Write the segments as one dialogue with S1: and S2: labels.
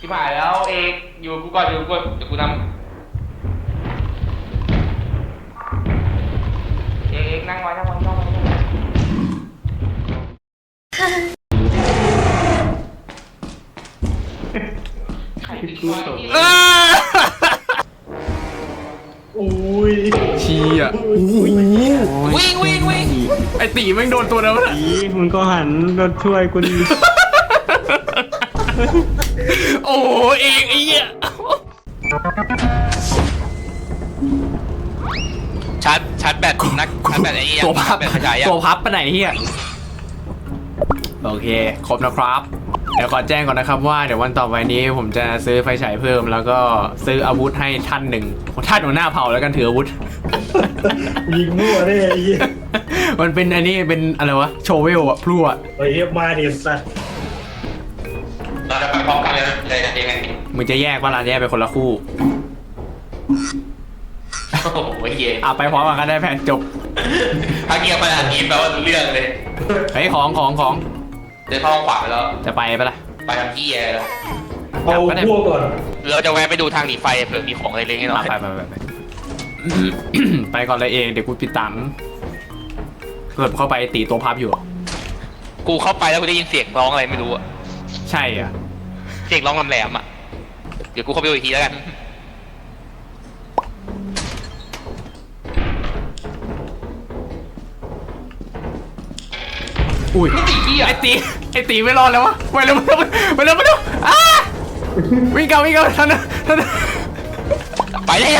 S1: ที่ผ่านแล้วเอกอยู่กูก่อนอยู่กูเดี๋ยวกูนำเอกนั่งไว้นั่งไว้นั่งไว้ใครติดตัว
S2: อุ้ย
S3: ชี้อ่ะ
S1: วิ่งวิ่งวิ่ง
S3: ไอตีแม่งโดนตัวแล้วนะ
S2: อีมึงก็หันมาช่วยกูดิ
S3: โอ้เองไอ้เหี้ย
S1: ชาร์จแบตนักชาร์จแบตไอ้เหี้ย
S3: ตัวพับ
S1: แบตขยายอ่ะ
S3: ตัวพับไปไหนเฮียโอเคครบนะครับเดี๋ยวขอแจ้งก่อนนะครับว่าเดี๋ยววันต่อไปนี้ผมจะซื้อไฟฉายเพิ่มแล้วก็ซื้ออาวุธให้ท่านหนึ่งท่านหัวหน้าเผ่าแล้วกันถืออาวุธ
S2: ยิงมั่วได้ไอ้เหี้ย
S3: มันเป็นอันนี้เป็นอะไรวะโชเวลอะพลั่ว
S2: ไอ้เหี้ยมาดิสัตว์
S1: เราจะไปพร้อมกันเลยนะเลยยังไง
S3: มึงจะแยกว่าร้านแยกเป็นคนละคู่
S1: โอ้โหเหี้ย
S3: ไปพร้อมกันก็ได้แผนจบ
S1: ถ้าเงียบขนาดนี้แปลว่ารู้เรื่องเลย
S3: เฮ้ยของ
S1: เดินเข้าห้องขวาไปแล้ว
S3: จะไปปะล่ะ
S1: ไปทำที่แล้ว
S2: เอาพวกก่อน
S1: เราจะแวะไปดูทางหนีไฟเผื่อมีของอะไรเล็กๆน้อย
S3: ไป ไปก่อนเลยเองเดี๋ยวกูปิดตังค์เกิดเข้าไปตีตัวพับอยู่
S1: ๆกูเข้าไปแล้วกูได้ยินเสียงร้องอะไรไม่รู้อะ
S3: ใช่อ่ะ
S1: เสียงร้องแหลมๆอะเดี๋ยวกูเข้าไปดูอีกทีแล้วกัน
S3: อุ้ยไอตีไม่รอดแล้ววะไปเร็วอ้าวิ่งเก่าทันนะ
S1: ไปเลย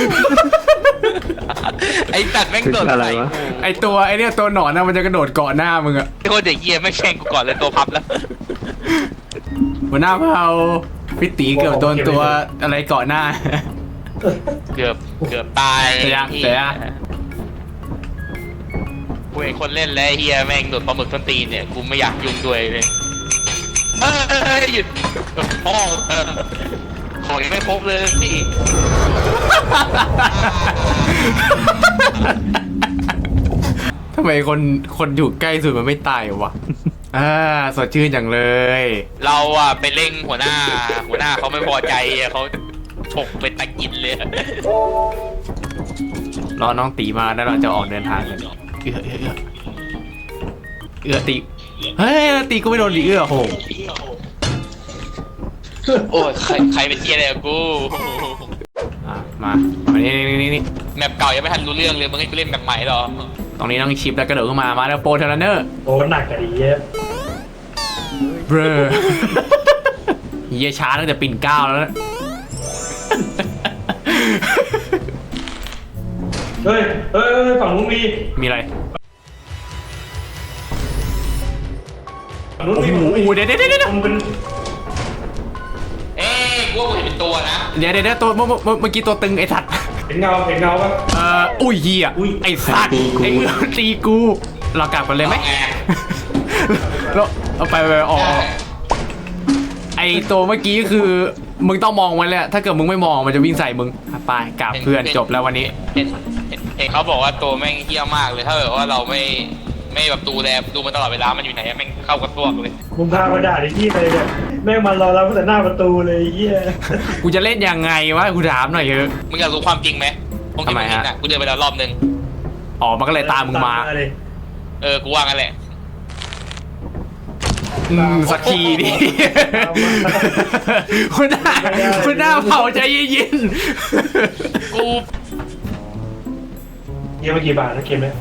S1: ไอ้ตัดแม่งโดดใส่กู
S3: ไอตัวไอเนี่ยตัวหนอนนะมันจะกระโดดเกาะหน้ามึงอะ
S1: ไอ้คนเด็กเหี้ยไม่งแข่งกูก่อนเลยตัวพับแล้ว
S3: หัวหน้าเผาพี่ตีเกือบโดนตัวอะไรเกาะหน้า
S1: เกือบตาย
S3: เสีย
S1: กูเห็นคนเล่นแล้วเฮียแม่งโดดปลาหมึกส้นตีนเนี่ยกูไม่อยากยุ่งด้วยเลยหยุดพ่อของยังไม่ครบเลยพี่
S3: ทำไมคนอยู่ใกล้สุดมันไม่ตายวะสดชื่นจังเลย
S1: เราอะไปเร่งหัวหน้าเขาไม่พอใจเขาฉกเป็นตะกินเลย
S3: รอน้องตีมาแล้วเราจะออกเดินทางกันเอื้อตีเฮ้ยตีกูไม่โดนดิเอื้อโห
S1: โอ้ยใครเป็นเฮียอะไรกับกู
S3: มานี่
S1: แมปเก่ายังไม่ทันรู้เรื่องเลยมึงให้กูเล่นแบบใหม่หรอ
S3: ตรงนี้ต้องชิปแล้วกระโดดขึ้นมาแล้วโปรเทเลเนอร์
S2: โอ้หนักกันดีเหี้ย
S3: เบรอเฮียช้าตั้งแต่ปิ่นเกล้าแล้วนะ
S2: เฮ้ยฝั่งนู้นมี
S3: มีอะไร
S2: ฝั่งนู้นมี
S3: โอ้โหเดี๋ยว
S2: มันเป็น
S1: กูว่ากูเห็นเป็นตัวนะ
S3: ตัวเมื่อกี้ตัวตึงไอ้สัตว์
S2: เห็นเงาปะ
S3: อุ้ยเฮียไอ้สัตว์ไอ้เอื้อตีกูเรากลับกันเลยไหมแล้วเอาไปออกไอ้ตัวเมื่อกี้คือมึงต้องมองไว้เลยถ้าเกิดมึงไม่มองมันจะวิ่งใส่มึงไปกลับเพื่อนจบแล้ววันนี้
S1: เห็นเขาบอกว่าตัวแม่งเฮี้ยมากเลยถ้าเกิดว่าเราไม่แบบดูมันตลอดเวลามันอยู่ไหนแม่งเข้ากระตัวเลย
S2: มึงพามาด่าไอ้ที่เลยเนี่ยแม่งมารอเราตั้งแต่หน้าประตูเลยไอ้เหี้ย
S3: กูจะเล่นยังไงวะกูถามหน่อยเถอะ
S1: มึงอยากรู้ความจริงไหมตรงที่
S3: ทำไม
S1: มึงเห็น
S3: ฮะ
S1: อ่ะกูเดินไปแล้วรอบนึง
S3: มันก็เลยตามมึงมา
S2: เลย
S1: กูว่างั้นแหละ
S3: สักทีดิ คุณหน้าเผาใจเย็น
S1: กู
S2: เยี่ยมกี่บาทนะเกมเนี่ย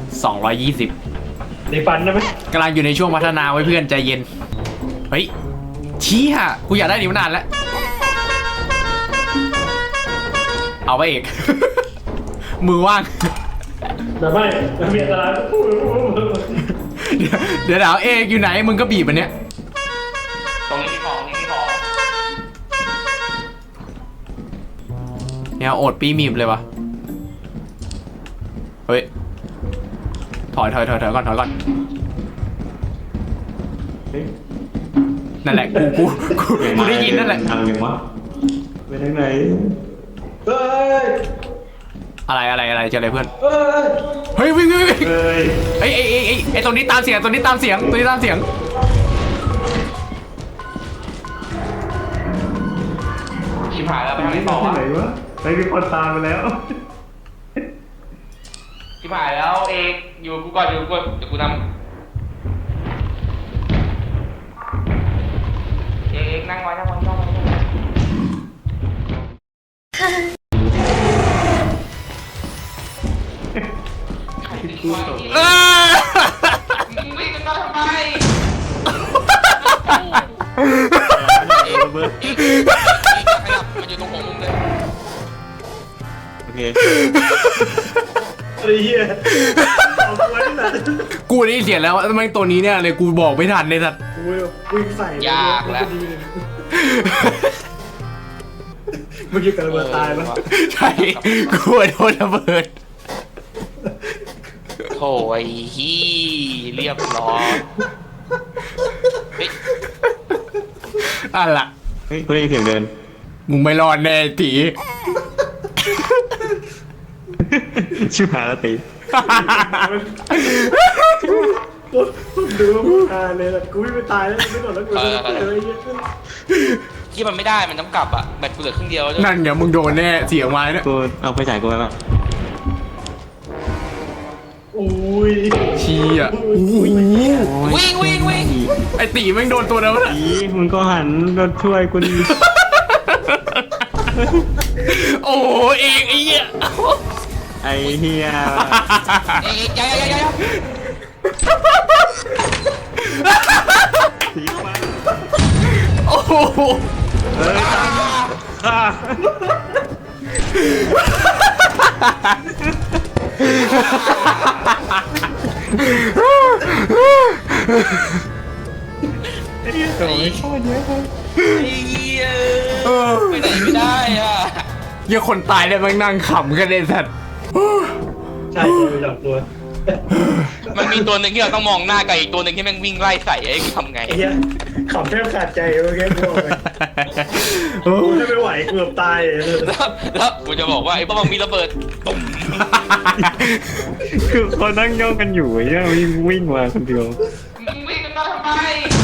S3: 220
S2: ในฟันได้ไหม
S3: กำลังอยู่ในช่วงพัฒนาไว้เพื่อนใจเย็นเฮ้ยชี้ฮะกูอยากได้นี่มานานแล้วเอาไปเอก มือว่าง
S2: แต่ไม่มีอันตราย
S3: เดี๋ยวเอกอยู่ไหนมึงก็บีบมันเนี้ย
S1: ตรงนี้ของ
S3: เนี่ยโอดปีมีบเลยวะเฮ้ยถอยก่อนนั่นแหละกูได้ยินนั่นแหละ
S2: ทางยังวะไปทางไหนเฮ้ย
S3: อะไรเจออะไรเพื่อน
S2: เฮ้ย
S3: เฮ้ยวิ่ง
S2: เฮ้ย
S3: ไอ้ตรงนี้ตามเสียงตัวนี้ตามเสียง
S1: ชิบหายแล้วไปทางไหนต่อ
S2: ที่
S1: วะ
S2: ไหนวะไปมีคนตามไปแล้ว
S1: ชิบหายแล้วเอกอยู่กูก่อนอยู่กูเดี๋ยวกูนำเอกนั่งไว้นั่งไว้นั่งไว้ใครติดไว้มึงวิ่งกันมาทำไมเอกขยับมันอยู่ตรงหัวมุมเลย
S4: โอเค
S2: ไอ้เหี้ยเอาไว้สัตว์
S3: กูได้ยินเสียงแล้วทำไมตัวนี้เนี่ยเลยกูบอกไม่ทันเลยสัตว์
S2: กูวิ่งใส่เลย
S1: ยากแล้ว
S2: ดีเลยเมื่อกี้กำลังจะตายปะ
S3: ใช่กูโดนระเบิด
S1: โถ่ไอ้ฮี่เรียบร้อยเฮ้ย
S3: อ่ะล่ะ
S4: เฮ้ยกูได้ยินเสียงเดิน
S3: มึงไม่รอดแน่ตี
S4: ชิบหายแล้วตี
S2: ดูว่ามึงตายเลยล่ะกูวิ่งไปตายแล้วไม่หมดแล้วกูจะเจอไอ้เหี้ย
S1: ที่มันไม่ได้มันต้องกลับอ่ะแบตกูเหลือครึ่งเดียวแล้ว
S3: นั่นไงมึงโดนแน่เสียงไม้เนี่ย
S4: กูเอาไปจ่ายกูไปป่ะ
S2: อุ้ย
S3: เชี้อ่ะโอ้โห
S1: วิ่งวิ่งวิ่ง
S3: ไอตีแม่งโดนตัวแล้วนะ
S4: อีมึงก็หันมาช่วยกูดิ
S3: โอ้โหเองไอ้เหี้ย
S4: ไอ้เฮีย
S1: เอ้ยย้าย
S4: สีมา
S3: โอ้โห
S4: เฮ้ยอ่ะไอ้เหี้ยโถ่ไม่ชอบเยอะเลย
S1: ไอ้เหี้ยไปไหนไม่ได้อ่ะ
S3: เหี้ยคนตายแล้วแม่งนั่งขำกันเลยสัตว์
S2: ใช่กูจับตัว
S1: มันมีตัวหนึ่งที่เราต้องมองหน้ากับอีกตัวหนึ่งที่แม่งวิ่งไล่ใส่ไอ้กูทำไง
S2: ไอ้เหี้ยขำแทบขาดใจเมื่อกี้กูบอกเลยกูจะไม่ไหวกูเกือบตายเลย
S1: แล้วกูจะบอกว่าไอ้บ้องมีระเบิดตุ่ม
S4: คือเขานั่งย่องกันอยู่ไอ้เหี้ยวิ่งมาคนเดียว
S1: มึงวิ่งกันมาทำไม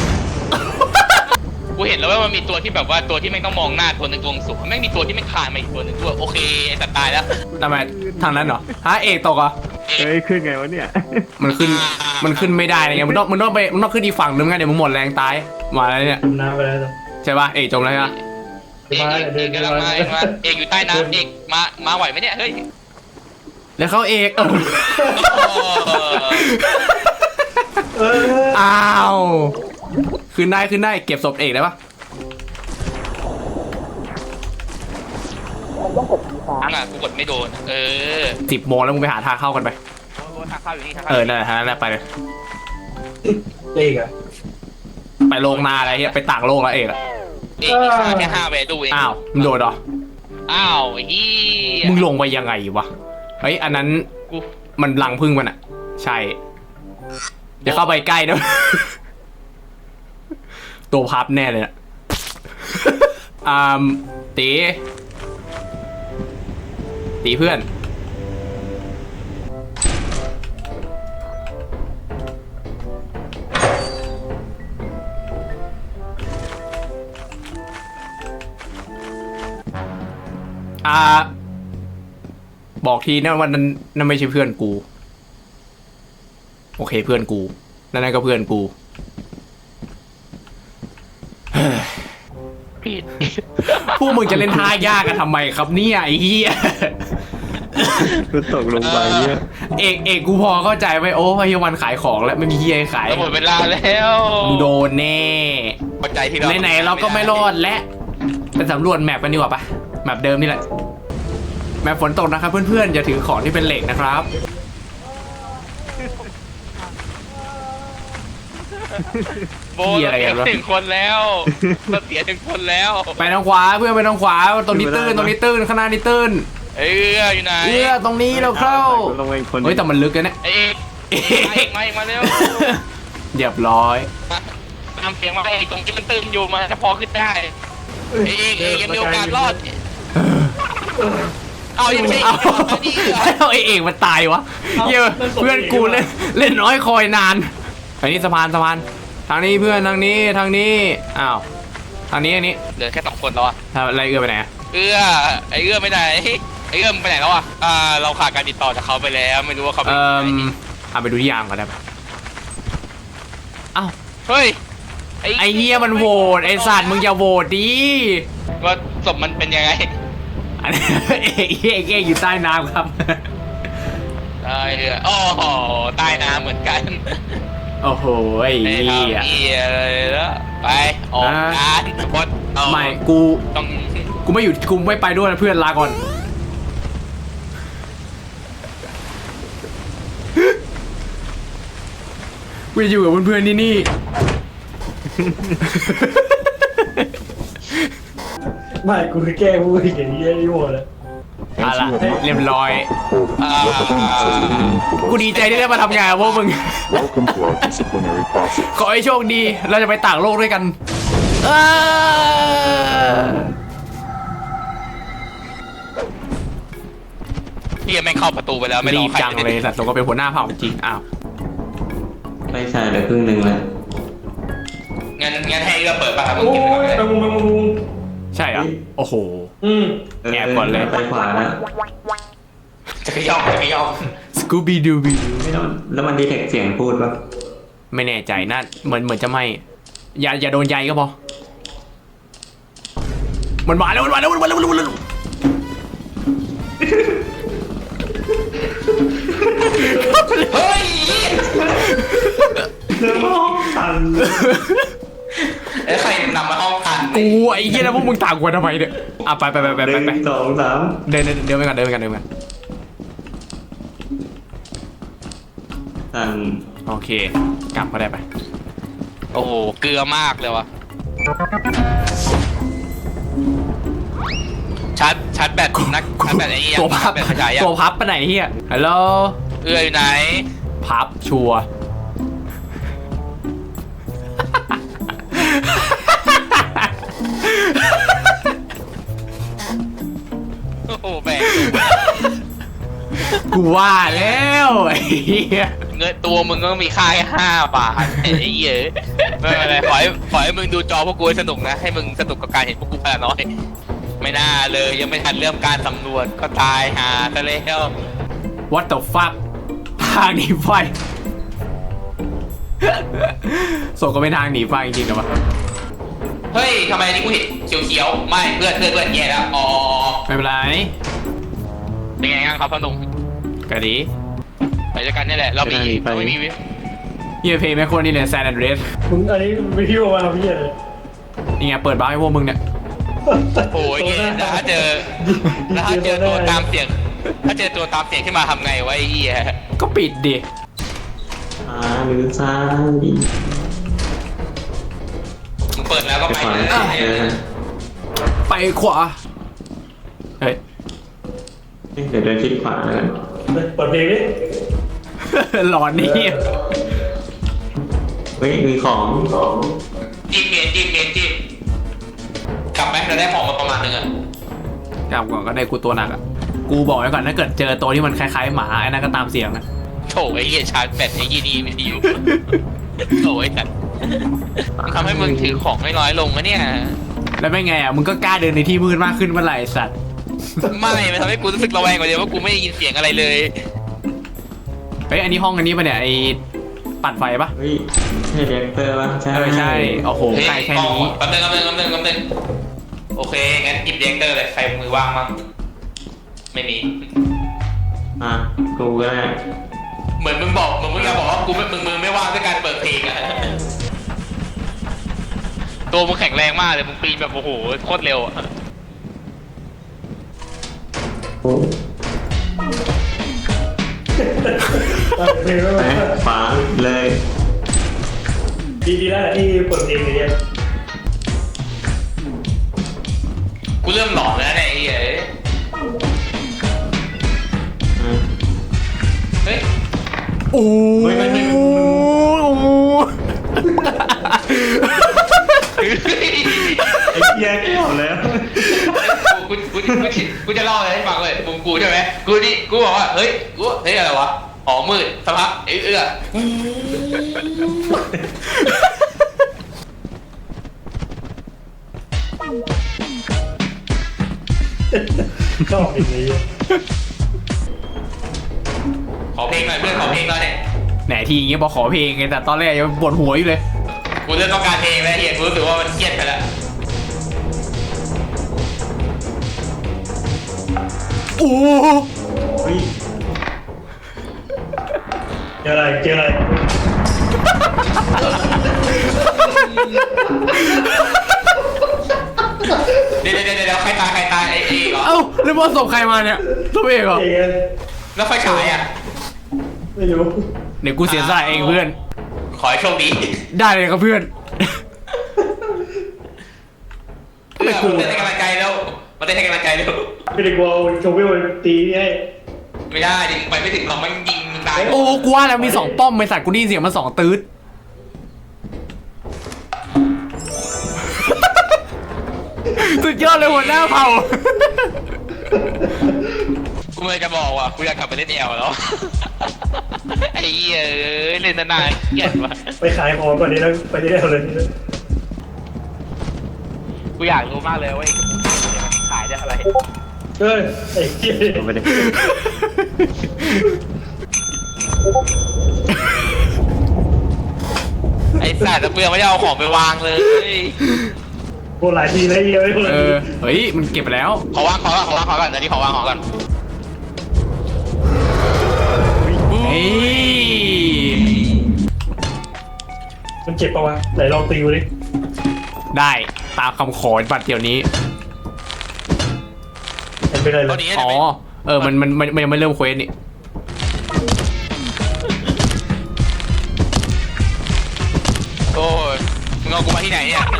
S1: กูเห็นแล้วว่ามันมีตัวที่แบบว่าตัวที่แม่งต้องมองหน้าตัวหนึ่งตัวสูงแม่งมีตัวที่แม่งคานมาอีกตัวหนึ่งตัวโอเคไอ้สัตว์ตายแล้ว
S3: ทำไมทางนั้นเหรอฮะเอกตกเหรอ
S4: เฮ้ยขึ้นไงวะเนี่ย
S3: มันขึ้นไม่ได้ไงมึงต้องขึ้นอีกฝั่งนึงไงเดี๋ยวมึงหมดแรงตายมาแล้วเนี่ย
S2: จมน้ำไปแล้ว
S3: ใช่ป่ะเอกจมแล้วใช่ปะ
S1: เอกกำลังมาเอกอยู่ใต้น้ำเอกมาไหวไหมเนี่ยเฮ้ย
S3: แล้วเขาเอก
S2: เออ
S3: อ้าวขึ้นได้เก็บศพเอกได้ปะ
S1: ทั้งอ่ะกูกดไม่โดน
S3: 10 โมงแล้วมึงไปหาทางเข้ากันไป
S1: ทางเข้าอยู่นี่ทาง
S3: เออนั่นแหละไปเลย
S2: เอกอะ
S3: ไปโรงนาอะไรเงี้ยไปต่างโลกแล้วเอกอะ
S1: เอกมีค่าแค่5 value เอง
S3: อ้าวมึงโดนเหรอ
S1: อ้าวฮี
S3: มึงลงไปยังไงวะเฮ้ยอันนั้น
S1: กู
S3: มันรังพึ่งมันอะใช่อย่าเข้าไปใกล้นะ ตัวพับแน่เลยอะตีเพื่อนบอกทีนะวันนั้นนั่นไม่ใช่เพื่อนกู โอเคเพื่อนกูนั่นก็เพื่อนกู
S1: ผิด
S3: พวกมึงจะเล่นท่ายากกันทำไมครับเนี่ยไอ้เหี้ย
S4: กูตกลงไปเนี่ย
S3: เอกกูพอเข้าใจไว้โอ้พยาวันขายของแล้วไม่มีเหี้ยให้ขาย
S1: หมดเวลาแล้ว
S3: มึงโดนแน่
S1: พอใจที่เรา
S3: ไหนๆเราก็ไม่รอดและไปสำรวจแมปกันดีกว่าปะแมปเดิมนี่แหละแมปฝนตกนะครับเพื่อนๆอย่าถือของที่เป็นเหล็กนะครับ
S1: โบเราเสียถึงคนแล้วเราเสียถึงคนแล้ว
S3: ไปทางขวาเพื่อนไปทางขวาตรงนี้ตื้นข้างหน้านี่ตื้น
S1: อยู่ไหน
S3: ตรงนี้เราเข้า
S4: ลงไปอีกคน
S3: เฮ้ยแต่มันลึกกันเนี่ย
S1: เอกมาเร็ว
S3: เรียบร้อย
S1: ตามเสียงมาเอกตรงที่มันตื่นอยู่มาจะพอขึ้นได้เอกยังมีโอกาสรอดเอายังไม่
S3: เอาเอกมันตายวะเหี้ยเพื่อนกูเล่นน้อยคอยนานอันนี้สะพานทางนี้เพื่อนทางนี้อ้าวอันนี้
S1: เหลือแค่2 คนแล้วอะ
S3: อะไรเอื้อไปไหนอะ
S1: เอื้อไอเอื้อไม่ได้ไอเอื้อมึงไปไหนแล้วอะเราขาดการติดต่อจากเขาไปแล้วไม่รู้ว่าเขาไปไหน
S3: เอาไปดูที่ยางก่อนได้ปะอ้าว
S1: เฮ้ย
S3: ไอเฮียมันโหวตไอสัตว์มึงอย่าโหวตดิ
S1: ว่าศพมันเป็นยังไง
S3: อันนี้เอกอยู่ใต้น้ำครับ
S1: ได้เอื้อโอ้โหใต้น้ำเหมือนกัน
S3: โอ้โหไอ้
S1: ไม่
S3: เหี้ย
S1: ทำเหี้ยเลยแล้วไปออกงานบดเอา
S3: ไม่กู
S1: ต้อง
S3: กูไม่อยู่กูไม่ไปด้วยนะเพื่อนลาก่อนกูจะอยู่กับเพื่อนๆที่นี่
S2: ไม่กูคือแก้พูดอย่างนี้ไอ้โหดเลย
S3: เอาล่ะเรียบร้อย
S1: อ่า
S3: กูดีใจที่ได้มาทำงานกับพวกมึง
S5: Welcome to our disciplinary process.
S3: ขอให้โชคดี เราจะไปต่างโลกด้วยกัน
S1: พี่ยังไม่เข้าประตูไปแล้วไม่ร
S3: รี
S1: อบ ใคร
S3: จังเลยสัตว์ตัวก็เป็นหัวหน้าเผ่าจริงอ้าว
S4: ไม่ใช่เดี๋ยวครึ่งหนึ่งแล้ว
S1: งั้นให้เอื้อเปิดป่ะครับมึง
S2: โอ้
S1: กินไปก่อนเลย
S2: ยมึง
S3: ใช่เหรอโอ้โห แอบก่อนเลย
S4: ไปขวาแล้ว
S1: จะขย่องจะขย่อง
S3: สกูบี้ดูบี้
S4: แล้วมันดีเทคเสียงพูดปะ
S3: ไม่แน่ใจน่าเหมือนจะไม่อย่าโดนใยก็พอมันมาแล้ว
S1: เฮ้ย
S4: เรื่องห้องสั่น
S1: ไอ้ใครนำมาห้องทัน
S3: กูไอ้เหี้ยแล้วพวกมึงต่างกันทำไมเนี่ยอ่ะไป
S4: 1 2 3
S3: เดินไปกัน
S4: สั่น
S3: โอเคกลับก็ได้ไป
S1: โอ้โหเกลือมากเลยวะชาร์จแบตนักชาร์จแบตไอ้นี่ยัง
S3: ตัวพับ
S1: แบตขยายยัง
S3: ตัวพับไปไหนเฮียฮัลโหล
S1: เอื้ออยู่ไหน
S3: พับชัวร์
S1: โอ้โหแบก
S3: กูว่าแล้วไอ้เหี้ย
S1: เงินตัวมึงก็มีค่าแค่5 บาทไอ้เหี้ยไม่เป็นไรขอให้มึงดูจอพวกกูให้สนุกนะให้มึงสนุกกับการเห็นพวกกูพลาน้อยไม่น่าเลยยังไม่ทันเริ่มการสำรวจก็ตายหาซะแล้ว
S3: What the fuck ทางหนีไฟส่งก็เป็นทางหนีไฟจริงๆนะวะ
S1: เฮ้ยทำไมอันนี่กูเห็นเขียวๆไม่เพื่อนแย่แล้วอ๋อ
S3: ไม่เป็นไร
S1: เป็นไงบ้างครับพ่อหนุ่ม
S3: ก็ดี
S1: ไปด้วยกันนี่แหละเราไม่มี
S3: เฮียเพย์แม่โคตรนี่เลยแซนด์เดรส
S2: มึงอันนี้ไม่พิ้วมาพี่เลย
S3: นี่ไงเปิดบ้าร์ให้พวกมึงเนี่ย
S1: โอ้ยแล้วถ้าเจอตัวตามเสียงถ้าเจอตัวตามเสียงขึ้นมาทำไงวะไอ้เหี้ย
S3: ก็ปิดดิ
S4: หรือซ้าย
S1: มึงเปิดแล้วก็
S4: ไป
S1: ไป
S4: ขวา
S1: เลย
S3: ไปขวาเฮ้ย
S4: เดี๋ยวเดินชิดขวาแล้วกัน
S2: เปิดเพลงดิ
S3: หลอนนี่
S4: เฮ้ยมีของ
S1: จิ้มกลับไหมเราได้ของมาประมาณนึงอะ
S3: กลับก่อนก็ได้กูตัวหนักอ่ะกูบอกไว้ก่อนถ้าเกิดเจอตัวที่มันคล้ายๆหมาไอ้นั่นก็ตามเสียงนะ
S1: โถไอ้เหี้ยชาร์จแบตไอ้ยี่นี่ไม่ดีอยู่โถไอ้สัตว์มันทำให้มึงถือของไม่น้อยลงนะเนี่ย
S3: แล้วไม่ไงอ่ะมึงก็กล้าเดินในที่มืดมากขึ้นเมื่อไหร่สัตว์
S1: ไม่มันทำให้กูรู้สึกระแวงกว่าเดิมว่ากูไม่ได้ยินเสียงอะไรเลย
S3: เฮ้ยอันนี้ห้องอันนี้ปะเนี่ยไอ้ปั่นไฟปะ
S4: เฮ้ยใช่เรียกเตอร์ปะใช่
S3: ใช่โอ้โหใกล้แค่นี้
S1: แป๊บนึงโอเคงั้นหยิบเรียกเตอร์เลยใครมือว่างมั้งไม่มี
S4: อ่ะกูก็ได้
S1: เหมือนมึงอยากบอกว่ากูมึงไม่ว่างด้วยการเปิดเพลงอะตัวมึงแข็งแรงมากเลยมึงปีนแบบโอ้โหโคตรเร็วอะ
S4: โอ้
S2: เปิดเพลงแล้ว
S4: ไปขวาเลย
S2: ดีแล้วแหละที่เปิดเพลงเนี่ย
S1: กูเริ่มหลอนแล้วเนี่ยไอ้เหี้ย เฮ้ย
S3: โอ้โห
S4: ไม่ ไอ้เหี้ยเข้าแล้ว
S1: กูจะเล่าอะไรให้ฟังเลยกูใช่ไหมกูบอกว่าเฮ้ยอะไรวะอ๋อมืดสักพักเอื้อ
S2: ชอบอย่างนี้
S1: ขอเพลงหน่อยเพื่อนขอเพลงหน่อย
S3: ไหนทีอย่างเงี้ยบอกขอเพลงไงแต่ตอนแรกยังปวดหัวอยู่เลย
S1: กูเริ่มต้องการเพลงแล้วเฮียกูรู้สึกว่ามันเครียดไปแล้ว
S3: โอ้
S2: เฮ้ยเจออะไรเจออะไร
S1: เดี๋ยวใครตายไอ้เหรอ
S3: เอ้าแล้วบอลส่งใครมาเนี่ยตัวเองเหรอ
S2: เอง
S1: แล้วไฟฉายอ่ะ
S2: ไม่รู้
S3: เดี๋ยวกูเสียสละเองเพื่อน
S1: ขอให้โชคดี
S3: ได้เลยครับเพื่อน
S1: เพื่อนมาเต้นให้กำลังใจแล้วมาเต้นให้กำลังใจแล้ว
S2: ไม่ได้กลัวโชว์วิวตีให้
S1: ไม่ได้ดิไปไม่ถึงหรอกมันยิงตาย
S3: โอ้กูว่าแล้วมีสองป้อมไอสัตว์กูได้ยินเสียงมันสองตืดสุดยอดเลยหัวหน้าเผ่า
S1: กูเลยจะบอกว่ากูอยากกลับไปเล่นแอลแล้วไอ้เหี้ยเล่นนานๆเกลียดว่ะ
S2: ไปขายของก่อนนี้แล้วไปที่ได้เลย
S1: กูอยากรู้มากเลยว่าไอ้มันขายได้อะไร
S2: เฮ้ยไอ้เหี้ย
S4: ไม่ได้
S1: ไอ้สัตว์แล้วกูยังไม่ได้เอาของไปวางเลย
S2: โหหลายทีแล้วเหี้ยไม่คนละ
S3: เอ
S2: ที
S3: อเฮ้ยมันเก็บไปแล้ว
S1: ขอวางก่อนเดี๋ยวนี้ขอวางของก่อน
S3: เฮ้ย
S2: มันเจ็บปะวะไหนลองตีดูดิ
S3: ได้ตามคำขอบัตรเดี๋ยวนี้
S2: มันเป็นอะไรเล
S1: ตัวย นี้
S3: อ๋อเออมันยังไม่เริ่มเควสนี่
S1: โอ้ยมึงเอากูมาที่ไหนเนี่ย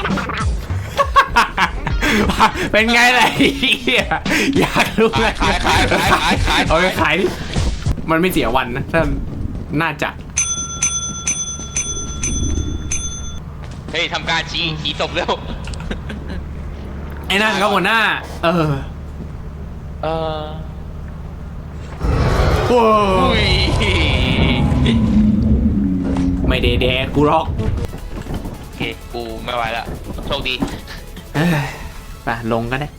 S3: เป็นไงล่ะไอ้เหี้ยอยากรู้เลย
S1: ขาย
S3: เอาไปขายดิมันไม่เสียวันนะถ้าน่าจะ
S1: เฮ้ยทำการชี้ศพเร็ว
S3: ไอ้นั่นก็หัวหน้า เออ
S1: เออ
S3: โอ้
S1: อุ้ย
S3: ไม่ได้แดกกูหรอก
S1: โอเคกูไม่ไหวละโชคดี
S3: เอ้ยไปลงกันได้